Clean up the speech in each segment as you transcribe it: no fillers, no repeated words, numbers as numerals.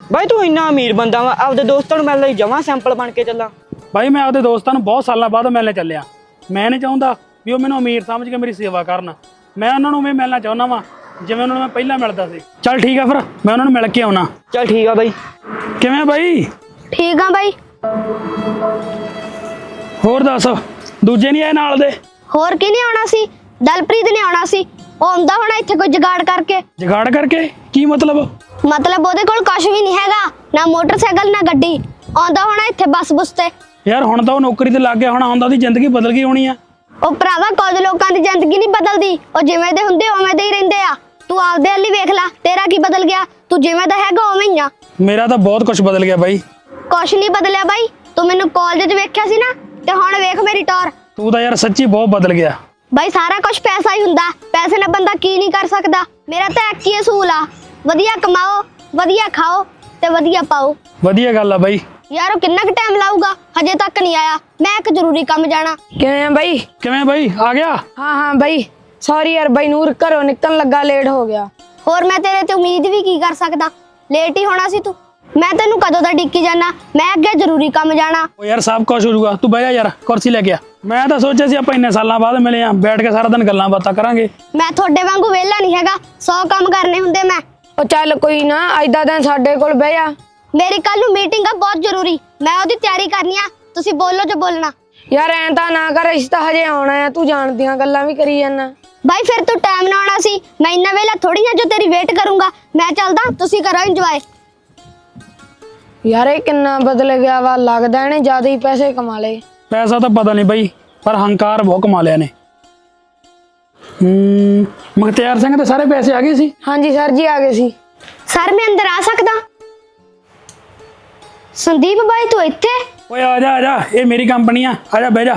ਬਾਈ ਤੂੰ ਇੰਨਾ ਅਮੀਰ ਬੰਦਾ ਵਾ, ਆਪਦੇ ਦੋਸਤਾਂ ਨੂੰ ਮਿਲਣ ਲਈ ਜਮਾਂ ਸੈਂਪਲ ਬਣ ਕੇ ਚੱਲਾਂ। ਬਾਈ ਮੈਂ ਆਪਦੇ ਦੋਸਤਾਂ ਨੂੰ ਬਹੁਤ ਸਾਲਾਂ ਬਾਅਦ ਮਿਲਣੇ ਚੱਲਿਆ। ਮੈਂ ਨਹੀਂ ਚਾਹੁੰਦਾ ਵੀ ਉਹ ਮੈਨੂੰ ਅਮੀਰ ਸਮਝ ਕੇ ਮੇਰੀ ਸੇਵਾ ਕਰਨ। ਮੈਂ ਉਹਨਾਂ ਨੂੰ ਵੀ ਮਿਲਣਾ ਚਾਹੁੰਦਾ ਵਾਂ ਜਿਵੇਂ ਉਹਨਾਂ ਨੂੰ ਮੈਂ ਪਹਿਲਾਂ ਮਿਲਦਾ ਸੀ। ਚੱਲ ਠੀਕ ਆ ਫਿਰ ਮੈਂ ਉਹਨਾਂ ਨੂੰ ਮਿਲ ਕੇ ਆਉਣਾ। ਚੱਲ ਠੀਕ ਆ ਬਾਈ। ਕਿਵੇਂ ਬਾਈ? ਠੀਕ ਆ ਬਾਈ। ਹੋਰ ਦੱਸ, ਦੂਜੇ ਨਹੀਂ ਆਏ ਨਾਲ ਦੇ? ਹੋਰ ਕੀ ਨਹੀਂ ਆਉਣਾ ਸੀ, ਦਲਪ੍ਰੀਤ ਨੇ ਆਉਣਾ ਸੀ। ਉਹ ਆਉਂਦਾ ਹੋਣਾ ਇੱਥੇ ਕੋਈ ਜੁਗਾੜ ਕਰਕੇ। ਜੁਗਾੜ ਕਰਕੇ? ਕੀ ਮਤਲਬ ਉਹਦੇ ਕੋਲ ਕੁਝ ਵੀ ਨਹੀਂ ਹੈਗਾ, ਨਾ ਮੋਟਰਸਾਈਕਲ ਨਾ ਗੱਡੀ। ਆਉਂਦਾ ਹੋਣਾ ਇੱਥੇ ਬੱਸ ਬੁਸ ਤੇ। ਯਾਰ ਹੁਣ ਤਾਂ ਉਹ ਨੌਕਰੀ ਤੇ ਲੱਗ ਗਿਆ ਹੋਣਾ, ਹੁੰਦਾ ਉਹਦੀ ਜ਼ਿੰਦਗੀ ਬਦਲ ਗਈ ਹੋਣੀ ਆ। ਉਹ ਭਰਾਵਾ ਕੁਝ ਲੋਕਾਂ ਦੀ ਜ਼ਿੰਦਗੀ ਨਹੀਂ ਬਦਲਦੀ, ਉਹ ਜਿਵੇਂ ਦੇ ਹੁੰਦੇ ਉਵੇਂ ਦੇ ਹੀ ਰਹਿੰਦੇ ਆ। ਤੂੰ ਆਪਦੇ ਵੱਲ ਹੀ ਵੇਖ ਲੈ, ਤੇਰਾ ਕੀ ਬਦਲ ਗਿਆ? ਤੂੰ ਜਿਵੇਂ ਦਾ ਹੈਗਾ ਉਵੇਂ ਹੀ ਆ। ਮੇਰਾ ਤਾਂ ਬਹੁਤ ਕੁਝ ਬਦਲ ਗਿਆ ਬਾਈ। ਕੁਛ ਨਹੀਂ ਬਦਲਿਆ ਬਾਈ, ਤੂੰ ਮੈਨੂੰ ਕਾਲਜ 'ਚ ਵੇਖਿਆ ਸੀ ਨਾ, ਤੇ ਹੁਣ ਵੇਖ ਮੇਰੀ ਟੌਰ। ਤੂੰ ਤਾਂ ਯਾਰ ਸੱਚੀ ਬਹੁਤ ਬਦਲ ਗਿਆ ਬਾਈ। ਸਾਰਾ ਕੁਝ ਪੈਸਾ ਹੀ ਹੁੰਦਾ, ਪੈਸੇ ਨਾਲ ਬੰਦਾ ਕੀ ਨਹੀਂ ਕਰ ਸਕਦਾ। ਮੇਰਾ ਤਾਂ ਇੱਕ ਹੀ ਅਸੂਲ ਆ, ਵਧੀਆ ਕਮਾਓ, ਵਧੀਆ ਖਾਓ ਤੇ ਵਧੀਆ ਪਾਓ। ਵਧੀਆ ਗੱਲ ਆ ਬਾਈ। ਯਾਰ ਉਹ ਕਿੰਨਾ ਕੁ ਟਾਈਮ ਲਾਊਗਾ? ਹਜੇ ਤੱਕ ਨਹੀਂ ਆਇਆ। ਮੈਂ ਇੱਕ ਜ਼ਰੂਰੀ ਕੰਮ ਜਾਣਾ। ਕਿਵੇਂ ਬਾਈ? ਕਿਵੇਂ ਬਾਈ, ਆ ਗਿਆ? ਹਾਂ ਬਾਈ, ਸੌਰੀ ਯਾਰ ਬਾਈ, ਨੂਰ ਘਰੋਂ ਨਿਕਲਣ ਲੱਗਾ, ਲੇਟ ਹੋ ਗਿਆ। ਹੋਰ ਮੈਂ ਤੇਰੇ ਤੇ ਉਮੀਦ ਵੀ ਕੀ ਕਰ ਸਕਦਾ, ਲੇਟ ਹੀ ਹੋਣਾ ਸੀ ਤੂੰ। ਮੈਂ ਤੈਨੂੰ ਕਦੋਂ ਦਾ ਡਿੱਕੀ ਜਾਣਾ, ਮੈਂ ਅੱਗੇ ਜ਼ਰੂਰੀ ਕੰਮ ਜਾਣਾ। ਉਹ ਯਾਰ ਸਭ ਕੁਝ ਹੋ ਜਾਊਗਾ, ਤੂੰ ਬਹਿ ਜਾ ਯਾਰ, ਕੁਰਸੀ ਲੈ ਕੇ ਆ। ਮੈਂ ਤਾਂ ਸੋਚਿਆ ਸੀ ਆਪਾਂ ਇੰਨੇ ਸਾਲਾਂ ਬਾਅਦ ਮਿਲੇ ਆ, ਬੈਠ ਕੇ ਸਾਰਾ ਦਿਨ ਗੱਲਾਂ ਬਾਤਾਂ ਕਰਾਂਗੇ। ਮੈਂ ਤੁਹਾਡੇ ਵਾਂਗੂ ਵਿਹਲਾ ਨਹੀਂ ਹੈਗਾ, 100 ਕੰਮ ਕਰਨੇ ਹੁੰਦੇ ਮੈਂ। ਉਹ ਚੱਲ ਕੋਈ ਨਾ, ਅੱਜ ਦਾ ਦਿਨ ਸਾਡੇ ਕੋਲ ਬਹਿ ਜਾ। ਮੇਰੀ ਕੱਲ ਨੂੰ ਮੀਟਿੰਗ ਆ ਬਹੁਤ ਜ਼ਰੂਰੀ, ਮੈਂ ਉਹਦੀ ਤਿਆਰੀ ਕਰਨੀ ਆ। ਤੁਸੀਂ ਬੋਲੋ ਜੋ ਬੋਲਣਾ। ਯਾਰ ਐਂ ਤਾਂ ਨਾ ਕਰ, ਅਸੀਂ ਤਾਂ ਹਜੇ ਆਉਣਾ ਆ, ਤੂੰ ਜਾਣਦੀਆਂ ਗੱਲਾਂ ਵੀ ਕਰੀ ਜਾਂਦਾ। ਬਾਈ ਫਿਰ ਤੂੰ ਟਾਈਮ ਨਾਲ ਆਉਣਾ ਸੀ, ਮੈਂ ਇੰਨਾ ਵੇਲਾ ਥੋੜੀ ਆ ਜੋ ਤੇਰੀ ਵੇਟ ਕਰੂੰਗਾ। ਮੈਂ ਚੱਲਦਾ, ਤੁਸੀਂ ਕਰੋ ਇੰਜੋਏ। ਯਾਰ ਇਹ ਕਿੰਨਾ ਬਦਲ ਗਿਆ ਵਾ, ਲੱਗਦਾ ਇਹਨੇ ਜ਼ਿਆਦਾ ਹੀ ਪੈਸੇ ਕਮਾ ਲਏ। ਪੈਸਾ ਤਾਂ ਪਤਾ ਨਹੀਂ ਬਾਈ, ਪਰ ਹੰਕਾਰ ਬਹੁਤ ਕਮਾ ਲਿਆ ਨੇ। ਮੁਖਤਿਆਰ ਸਿੰਘ ਦੇ ਸਾਰੇ ਪੈਸੇ ਆ ਗਏ ਸੀ? ਹਾਂਜੀ ਸਰ ਜੀ, ਆ ਗਏ ਸੀ। ਸਰ ਮੈਂ ਅੰਦਰ ਆ ਸਕਦਾ? ਸੰਦੀਪ ਬਾਈ ਤੂੰ ਇੱਥੇ? ਓਏ ਆ ਜਾ, ਇਹ ਮੇਰੀ ਕੰਪਨੀ ਆ ਜਾ ਬਹਿ ਜਾ।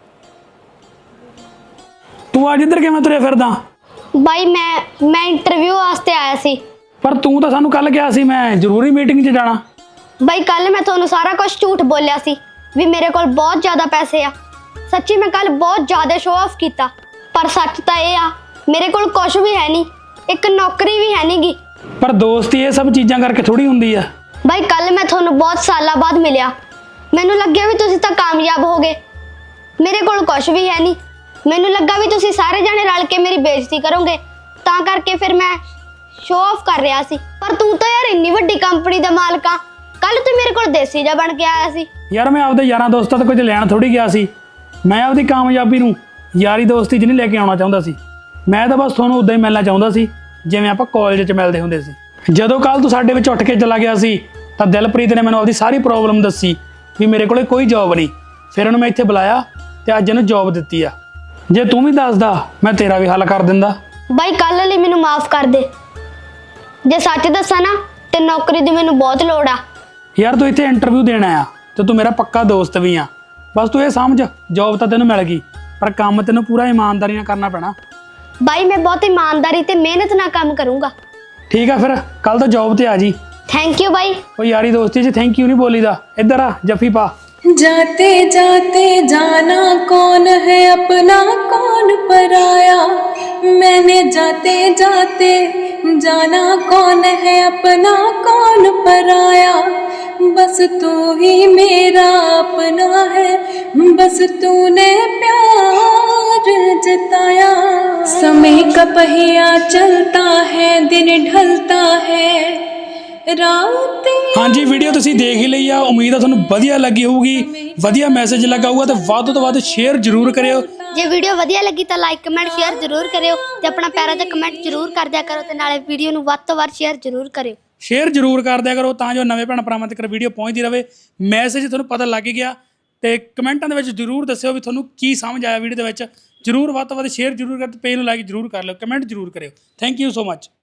ਤੂੰ ਅੱਜ ਇੱਧਰ ਕਿਵੇਂ ਤੁਰਿਆ ਫਿਰਦਾ? ਬਾਈ ਮੈਂ ਇੰਟਰਵਿਊ ਵਾਸਤੇ ਆਇਆ ਸੀ। ਪਰ ਤੂੰ ਤਾਂ ਸਾਨੂੰ ਕੱਲ ਕਿਹਾ ਸੀ ਮੈਂ ਜ਼ਰੂਰੀ ਮੀਟਿੰਗ 'ਚ ਜਾਣਾ। ਬਾਈ ਕੱਲ ਮੈਂ ਤੁਹਾਨੂੰ ਸਾਰਾ ਕੁਝ ਝੂਠ ਬੋਲਿਆ ਸੀ ਵੀ ਮੇਰੇ ਕੋਲ ਬਹੁਤ ਜ਼ਿਆਦਾ ਪੈਸੇ ਆ। ਸੱਚੀ ਮੈਂ ਕੱਲ ਬਹੁਤ ਜ਼ਿਆਦਾ ਸ਼ੋਅ ਆਫ ਕੀਤਾ, ਪਰ ਸੱਚ ਤਾਂ ਇਹ ਆ ਮੇਰੇ ਕੋਲ ਕੁਝ ਵੀ ਹੈ ਨਹੀਂ, ਇੱਕ ਨੌਕਰੀ ਵੀ ਹੈ ਨਹੀਂਗੀ। ਪਰ ਦੋਸਤੀ ਇਹ ਸਭ ਚੀਜ਼ਾਂ ਕਰਕੇ ਥੋੜੀ ਹੁੰਦੀ ਆ। ਬਾਈ ਕੱਲ ਮੈਂ ਤੁਹਾਨੂੰ ਬਹੁਤ ਸਾਲਾਂ ਬਾਅਦ ਮਿਲਿਆ, ਮੈਨੂੰ ਲੱਗਿਆ ਵੀ ਤੁਸੀਂ ਤਾਂ ਕਾਮਯਾਬ ਹੋ ਗਏ। ਮੇਰੇ ਕੋਲ ਕੁਝ ਵੀ ਹੈ ਨਹੀਂ, ਮੈਨੂੰ ਲੱਗਾ ਵੀ ਤੁਸੀਂ ਸਾਰੇ ਜਾਣੇ ਰਲ ਕੇ ਮੇਰੀ ਬੇਇੱਜ਼ਤੀ ਕਰੋਗੇ, ਤਾਂ ਕਰਕੇ ਫਿਰ ਮੈਂ ਸ਼ੋਅ ਆਫ ਕਰ ਰਿਹਾ ਸੀ। ਪਰ ਤੂੰ ਤਾਂ ਯਾਰ ਇੰਨੀ ਵੱਡੀ ਕੰਪਨੀ ਦਾ ਮਾਲਕ ਆ, ਕੱਲ ਤੂੰ ਮੇਰੇ ਕੋਲ ਦੇਸੀ ਜਿਹਾ ਬਣ ਕੇ ਆਇਆ ਸੀ। ਯਾਰ ਮੈਂ ਆਪਦੇ ਯਾਰਾਂ ਦੋਸਤਾਂ ਤੋਂ ਕੁਝ ਲੈਣ ਥੋੜੀ ਗਿਆ ਸੀ, ਮੈਂ ਆਪਦੀ ਕਾਮਯਾਬੀ ਨੂੰ ਯਾਰੀ ਦੋਸਤੀ 'ਚ ਨਹੀਂ ਲੈ ਕੇ ਆਉਣਾ ਚਾਹੁੰਦਾ ਸੀ। ਮੈਂ ਤਾਂ ਬਸ ਤੁਹਾਨੂੰ ਉਦਾਂ ਹੀ ਮਿਲਣਾ ਚਾਹੁੰਦਾ ਸੀ ਜਿਵੇਂ ਆਪਾਂ ਕਾਲਜ 'ਚ ਮਿਲਦੇ ਹੁੰਦੇ ਸੀ। ਜਦੋਂ ਕੱਲ ਤੂੰ ਸਾਡੇ ਵਿੱਚ ਉੱਠ ਕੇ ਚਲਾ ਗਿਆ ਸੀ ਤਾਂ ਦਿਲਪ੍ਰੀਤ ਨੇ ਮੈਨੂੰ ਆਪਦੀ ਸਾਰੀ ਪ੍ਰੋਬਲਮ ਦੱਸੀ ਵੀ ਮੇਰੇ ਕੋਲੇ ਕੋਈ ਜੌਬ ਨਹੀਂ। ਫਿਰ ਉਹਨੂੰ ਮੈਂ ਇੱਥੇ ਬੁਲਾਇਆ ਤੇ ਅੱਜ ਇਹਨੂੰ ਜੌਬ ਦਿੱਤੀ ਆ। ਜੇ ਤੂੰ ਵੀ ਦੱਸਦਾ ਮੈਂ ਤੇਰਾ ਵੀ ਹੱਲ ਕਰ ਦਿੰਦਾ। ਬਾਈ ਕੱਲ ਲਈ ਮੈਨੂੰ ਮਾਫ ਕਰ ਦੇ, ਜੇ ਸੱਚ ਦੱਸਾਂ ਨਾ ਤੇ ਨੌਕਰੀ ਦੀ ਮੈਨੂੰ ਬਹੁਤ ਲੋੜ ਆ। ਯਾਰ ਤੂੰ ਇੱਥੇ ਇੰਟਰਵਿਊ ਦੇਣਾ ਆ ਤੇ ਤੂੰ ਮੇਰਾ ਪੱਕਾ ਦੋਸਤ ਵੀ ਆ। ਬਸ ਤੂੰ ਇਹ ਸਮਝ, ਜੌਬ ਤਾਂ ਤੈਨੂੰ ਮਿਲ ਗਈ, ਪਰ ਕੰਮ ਤੈਨੂੰ ਪੂਰਾ ਇਮਾਨਦਾਰੀ ਨਾਲ ਕਰਨਾ ਪੈਣਾ। ਬਾਈ ਮੈਂ ਬਹੁਤ ਇਮਾਨਦਾਰੀ ਤੇ ਮਿਹਨਤ ਨਾਲ ਕੰਮ ਕਰੂੰਗਾ। ਠੀਕ ਆ, ਫਿਰ ਕੱਲ ਤੋਂ ਜੌਬ ਤੇ ਆ ਜੀ। ਥੈਂਕ ਯੂ ਬਾਈ। ਉਹ ਯਾਰੀ ਦੋਸਤੀ 'ਚ ਥੈਂਕ ਯੂ ਨਹੀਂ ਬੋਲੀਦਾ। ਇੱਧਰ ਆ, ਜੱਫੀ ਪਾ। जाते जाते जाना कौन है अपना कौन पराया, मैंने जाते जाते जाना कौन है अपना कौन पराया, बस तू ही मेरा अपना है, बस तूने प्यार जताया। समय का पहिया चलता है, दिन ढलता है, ਹਾਂਜੀ ਵੀਡੀਓ ਤੁਸੀਂ ਦੇਖ ਹੀ ਲਈ ਆ, ਉਮੀਦ ਆ ਤੁਹਾਨੂੰ ਵਧੀਆ ਲੱਗੀ ਹੋਊਗੀ, ਵਧੀਆ ਮੈਸੇਜ ਲੱਗਾ ਹੋਊਗਾ, ਤੇ ਵੱਧ ਤੋਂ ਵੱਧ ਸ਼ੇਅਰ ਜ਼ਰੂਰ ਕਰਿਓ। ਜੇ ਵੀਡੀਓ ਵਧੀਆ ਲੱਗੀ ਤਾਂ ਲਾਈਕ ਕਮੈਂਟ ਸ਼ੇਅਰ ਜ਼ਰੂਰ ਕਰਿਓ, ਤੇ ਆਪਣਾ ਪਿਆਰਾ ਜਿਹਾ ਕਮੈਂਟ ਜ਼ਰੂਰ ਕਰ ਦਿਆ ਕਰੋ, ਤੇ ਨਾਲੇ ਵੀਡੀਓ ਨੂੰ ਵੱਧ ਤੋਂ ਵੱਧ ਸ਼ੇਅਰ ਜ਼ਰੂਰ ਕਰਿਓ। ਸ਼ੇਅਰ ਜ਼ਰੂਰ ਕਰ ਦਿਆ ਕਰੋ ਤਾਂ ਜੋ ਨਵੇਂ ਭੈਣ ਭਰਾਵਾਂ ਤੱਕ ਵੀਡੀਓ ਪਹੁੰਚਦੀ ਰਹੇ। ਮੈਸੇਜ ਤੁਹਾਨੂੰ ਪਤਾ ਲੱਗ ਗਿਆ, ਤੇ ਕਮੈਂਟਾਂ ਦੇ ਵਿੱਚ ਜ਼ਰੂਰ ਦੱਸਿਓ ਵੀ ਤੁਹਾਨੂੰ ਕੀ ਸਮਝ ਆਇਆ ਵੀਡੀਓ ਦੇ ਵਿੱਚ। ਜ਼ਰੂਰ ਵੱਧ ਤੋਂ ਵੱਧ ਸ਼ੇਅਰ ਜ਼ਰੂਰ ਕਰ, ਤੇ ਪੇਜ ਨੂੰ ਲਾਈਕ ਜ਼ਰੂਰ ਕਰ ਲਿਓ, ਕਮੈਂਟ ਜ਼ਰੂਰ ਕਰਿਓ। Thank you so much.